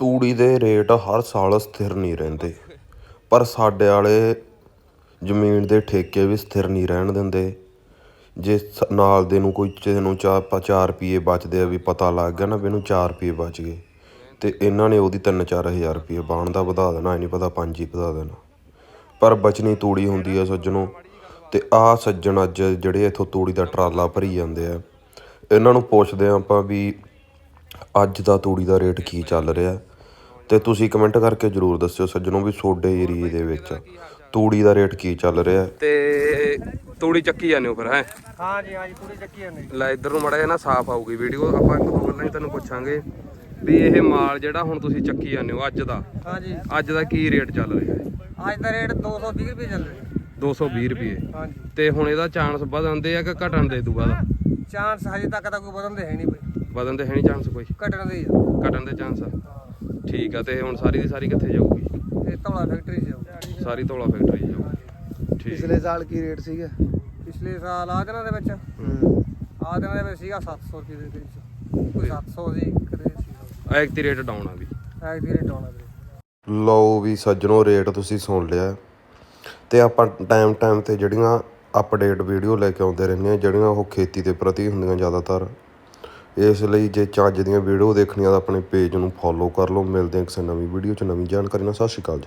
ਤੂੜੀ ਦੇ ਰੇਟ ਹਰ ਸਾਲ ਸਥਿਰ ਨਹੀਂ ਰਹਿੰਦੇ, ਪਰ ਸਾਡੇ ਵਾਲੇ ਜ਼ਮੀਨ ਦੇ ਠੇਕੇ ਵੀ ਸਥਿਰ ਨਹੀਂ ਰਹਿਣ ਦਿੰਦੇ। ਜੇ ਨਾਲ ਦੇ ਨੂੰ ਕੋਈ ਕਿਸੇ ਨੂੰ 4 ਰੁਪਈਏ ਬਚਦੇ ਆ, ਵੀ ਪਤਾ ਲੱਗ ਗਿਆ ਨਾ ਵੀ ਇਹਨੂੰ 4 ਰੁਪਈਏ ਬਚ ਗਏ, ਅਤੇ ਇਹਨਾਂ ਨੇ ਉਹਦੀ 3-4 ਹਜ਼ਾਰ ਰੁਪਈਏ ਬਾਣ ਦਾ ਵਧਾ ਦੇਣਾ, ਇਹ ਨਹੀਂ ਪਤਾ 5 ਹੀ ਵਧਾ ਦੇਣਾ। ਪਰ ਬਚਣੀ ਤੂੜੀ ਹੁੰਦੀ ਆ ਸੱਜਣੋ। ਅਤੇ ਆਹ ਸੱਜਣ ਅੱਜ ਜਿਹੜੇ ਇੱਥੋਂ ਤੂੜੀ ਦਾ ਟਰਾਲਾ ਭਰੀ ਜਾਂਦੇ ਆ, ਇਹਨਾਂ ਨੂੰ ਪੁੱਛਦੇ ਹਾਂ ਆਪਾਂ ਵੀ ਅੱਜ ਦਾ ਤੂੜੀ ਦਾ ਰੇਟ ਕੀ ਚੱਲ ਰਿਹਾ। ਅਤੇ ਤੁਸੀਂ ਕਮੈਂਟ ਕਰਕੇ ਜ਼ਰੂਰ ਦੱਸਿਓ ਸੱਜਣੋ ਵੀ ਤੁਹਾਡੇ ਏਰੀਏ ਦੇ ਵਿੱਚ ਤੂੜੀ ਦਾ ਰੇਟ ਕੀ ਚੱਲ ਰਿਹਾ। ਤੇ ਤੂੜੀ ਚੱਕੀ ਜਾਂਦੇ ਹੋ ਫਿਰ? ਹੈ ਹਾਂਜੀ ਹਾਂਜੀ, ਤੂੜੀ ਚੱਕੀ ਜਾਂਦੇ। ਲੈ ਇੱਧਰ ਨੂੰ ਮਾੜਾ ਜਿਹਾ ਨਾ ਸਾਫ਼ ਆਊਗੀ ਵੀਡੀਓ, ਆਪਾਂ ਇੱਕ ਦੋ ਗੱਲਾਂ ਹੀ ਤੁਹਾਨੂੰ ਪੁੱਛਾਂਗੇ ਵੀ ਇਹ ਮਾਲ ਜਿਹੜਾ ਹੁਣ ਤੁਸੀਂ ਚੱਕੀ ਜਾਂਦੇ ਹੋ ਅੱਜ ਦਾ, ਹਾਂਜੀ ਅੱਜ ਦਾ ਕੀ ਰੇਟ ਚੱਲ ਰਿਹਾ ਹੈ? ਅੱਜ ਦਾ ਰੇਟ 220 ਰੁਪਏ ਚੱਲ ਰਿਹਾ। 220 ਰੁਪਏ। ਹਾਂਜੀ, ਤੇ ਹੁਣ ਇਹਦਾ ਚਾਂਸ ਵਧਣ ਦੇ ਆ ਕਿ ਘਟਣ ਦੇ ਦੂਗਾ ਦਾ? ਚਾਂਸ ਹਜੇ ਤੱਕ ਤਾਂ ਕੋਈ ਵਧਣ ਦੇ ਹੈ ਨਹੀਂ ਬਈ। ਵਧਣ ਦੇ ਹੈ ਨਹੀਂ ਚਾਂਸ ਕੋਈ? ਘਟਣ ਦੇ ਹੀ ਆ। ਘਟਣ ਦੇ ਚਾਂਸ ਆ। ਠੀਕ ਆ। ਤੇ ਹੁਣ ਸਾਰੀ ਦੀ ਸਾਰੀ ਕਿੱਥੇ ਜਾਊਗੀ? ਇਹ ਧੌਲਾ ਫੈਕਟਰੀ ਜਾਊ। ਸਾਰੀ ਧੌਲਾ ਫੈਕਟਰੀ ਜਾਊਗੀ। ਠੀਕ। ਪਿਛਲੇ ਸਾਲ ਕੀ ਰੇਟ ਸੀਗਾ? ਪਿਛਲੇ ਸਾਲ ਆ ਦਿਨਾਂ ਦੇ ਵਿੱਚ ਆ ਦਿਨਾਂ ਦੇ ਵਿੱਚ ਸੀਗਾ 700 ਰੁਪਏ ਦੇ ਵਿੱਚ, ਕੋਈ 700 ਸੀ ਕਦੇ ਸੀ। ਐਕਟੀ ਰੇਟ ਡਾਊਨ ਆ ਵੀ। ਐਗ ਦੀ ਰੇਟ ਆਉਣਾ ਵੀਰੇ। ਲਓ ਵੀ ਸੱਜਣੋ, ਰੇਟ ਤੁਸੀਂ ਸੁਣ ਲਿਆ। ਅਤੇ ਆਪਾਂ ਟਾਈਮ ਤੇ ਜਿਹੜੀਆਂ ਅਪਡੇਟ ਵੀਡੀਓ ਲੈ ਕੇ ਆਉਂਦੇ ਰਹਿੰਦੇ ਹਾਂ, ਜਿਹੜੀਆਂ ਉਹ ਖੇਤੀ ਦੇ ਪ੍ਰਤੀ ਹੁੰਦੀਆਂ ਜ਼ਿਆਦਾਤਰ। ਇਸ ਲਈ ਜੇ ਚੱਜ ਦੀਆਂ ਵੀਡੀਓ ਦੇਖਣੀਆਂ ਤਾਂ ਆਪਣੇ ਪੇਜ ਨੂੰ ਫੋਲੋ ਕਰ ਲਓ। ਮਿਲਦੇ ਹਾਂ ਕਿਸੇ ਨਵੀਂ ਵੀਡੀਓ 'ਚ ਨਵੀਂ ਜਾਣਕਾਰੀ ਨਾਲ। ਸਤਿ ਸ਼੍ਰੀ ਅਕਾਲ ਜੀ।